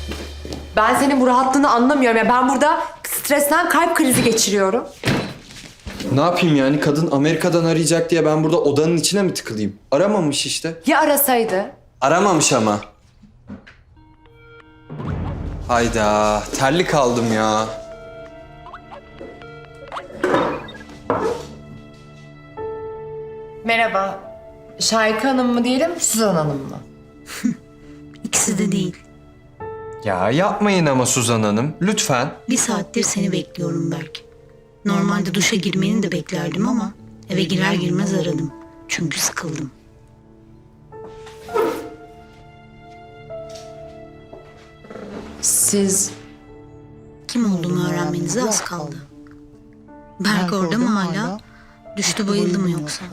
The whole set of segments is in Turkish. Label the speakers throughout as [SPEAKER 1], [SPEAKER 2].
[SPEAKER 1] Ben senin bu rahatlığını anlamıyorum. Ya ben burada stresten kalp krizi geçiriyorum.
[SPEAKER 2] Ne yapayım yani? Kadın Amerika'dan arayacak diye ben burada odanın içine mi tıkılayım? Aramamış işte.
[SPEAKER 1] Ya arasaydı?
[SPEAKER 2] Aramamış ama. Hayda, terli kaldım ya.
[SPEAKER 1] Merhaba. Şahika Hanım mı diyelim, Suzan Hanım mı?
[SPEAKER 3] İkisi de değil.
[SPEAKER 2] Ya yapmayın ama Suzan Hanım, lütfen.
[SPEAKER 3] Bir saattir seni bekliyorum Berk. Normalde duşa girmeni de beklerdim ama eve girer girmez aradım. Çünkü sıkıldım.
[SPEAKER 1] Siz...
[SPEAKER 3] Kim olduğumu öğrenmenize az kaldı. Berk orada mı hala? Düştü bayıldı mı yoksa?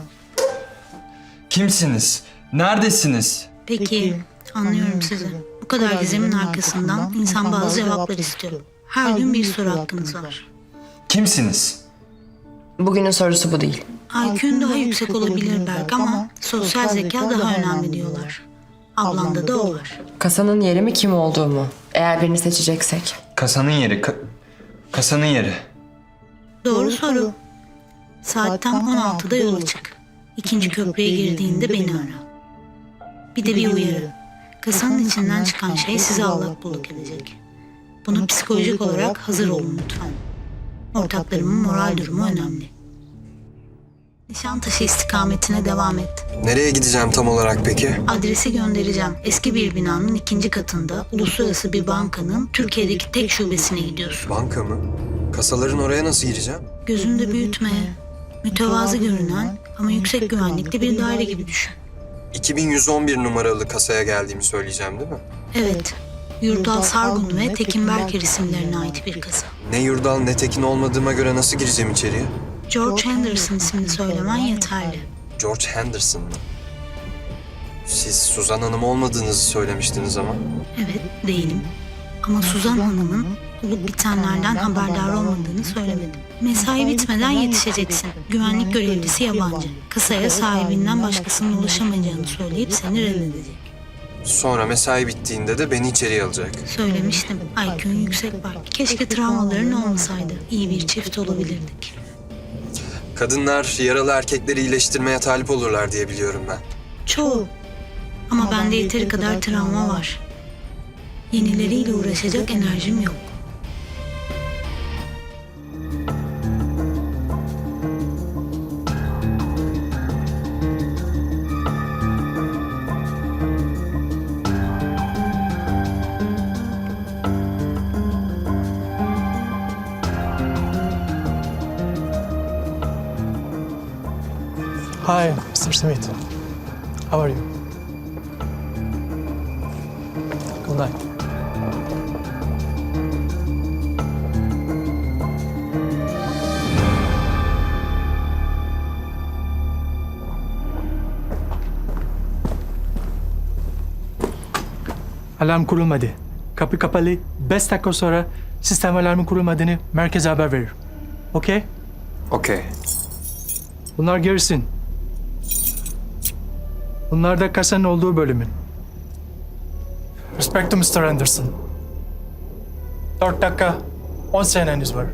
[SPEAKER 2] Kimsiniz? Neredesiniz?
[SPEAKER 3] Peki, anlıyorum sizi. Bu kadar gizemin arkasından insan bazı cevaplar istiyor. Her gün bir soru hakkınız var.
[SPEAKER 2] Kimsiniz?
[SPEAKER 1] Bugünün sorusu bu değil.
[SPEAKER 3] IQ'un daha yüksek olabilir Berk ama sosyal zeka daha önemli diyorlar. Ablanda da o var.
[SPEAKER 1] Kasanın yeri mi, kim olduğu mu? Eğer birini seçeceksek.
[SPEAKER 2] Kasanın yeri, kasanın yeri.
[SPEAKER 3] Doğru soru. Saat tam 16'da yola çık. İkinci köprüye girdiğinde beni ara. Bir de bir uyarı. Kasanın içinden çıkan şey sizi allak bullak edecek. Buna psikolojik olarak hazır olun lütfen. Ortaklarımın moral durumu önemli. Nişantaşı istikametine devam et.
[SPEAKER 4] Nereye gideceğim tam olarak peki?
[SPEAKER 3] Adresi göndereceğim. Eski bir binanın ikinci katında uluslararası bir bankanın Türkiye'deki tek şubesine gidiyorsun.
[SPEAKER 4] Banka mı? Kasaların oraya nasıl gireceğim?
[SPEAKER 3] Gözünde büyütme. Mütevazı görünen ama yüksek güvenlikli bir daire gibi düşün.
[SPEAKER 4] 2111 numaralı kasaya geldiğimi söyleyeceğim değil mi?
[SPEAKER 3] Evet. Yurdal Sargun ve Tekin Berker isimlerine ait bir kasa.
[SPEAKER 4] Ne Yurdal ne Tekin olmadığıma göre nasıl gireceğim içeriye?
[SPEAKER 3] George Henderson ismini söylemen yeterli.
[SPEAKER 4] George Henderson mı? Siz Suzan Hanım olmadığınızı söylemiştiniz ama.
[SPEAKER 3] Evet, değilim. Ama Suzan Hanım'ın olup bitenlerden haberdar olmadığını söylemedim. Mesai bitmeden yetişeceksin. Güvenlik görevlisi yabancı. Kasaya sahibinden başkasının ulaşamayacağını söyleyip seni reddedecek.
[SPEAKER 4] Sonra mesai bittiğinde de beni içeriye alacak.
[SPEAKER 3] Söylemiştim. IQ'un yüksek var. Keşke travmaların olmasaydı. İyi bir çift olabilirdik.
[SPEAKER 4] Kadınlar yaralı erkekleri iyileştirmeye talip olurlar diye biliyorum ben.
[SPEAKER 3] Çoğu. Ama bende yeteri kadar travma var. Yenileriyle uğraşacak enerjim yok.
[SPEAKER 5] Hi, Mr. Smith. How are you? Good night. Alarm kurulmadı. Kapı kapalı. 5 dakika sonra sistem alarmı kurulmadığını merkeze haber verir. Okey?
[SPEAKER 4] Okey.
[SPEAKER 5] Bunlar gerisin. Bunlar da kasanın olduğu bölümün. Respect to Mr. Anderson. 4 dakika, 10 seneniz var.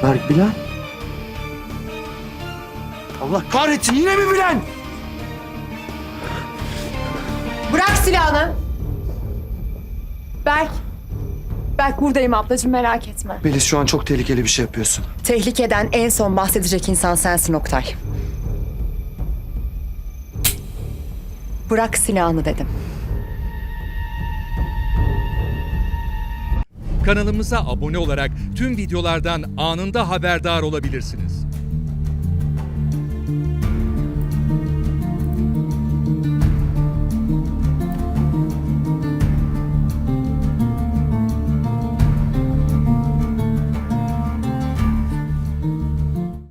[SPEAKER 6] Berk Bilen? Allah kahretsin, yine mi Bilen?
[SPEAKER 1] Bırak silahını. Berk buradayım ablacığım, merak etme.
[SPEAKER 6] Melis, şu an çok tehlikeli bir şey yapıyorsun.
[SPEAKER 1] Tehlikeden en son bahsedecek insan sensin Oktay. Bırak silahını dedim.
[SPEAKER 7] Kanalımıza abone olarak tüm videolardan anında haberdar olabilirsiniz.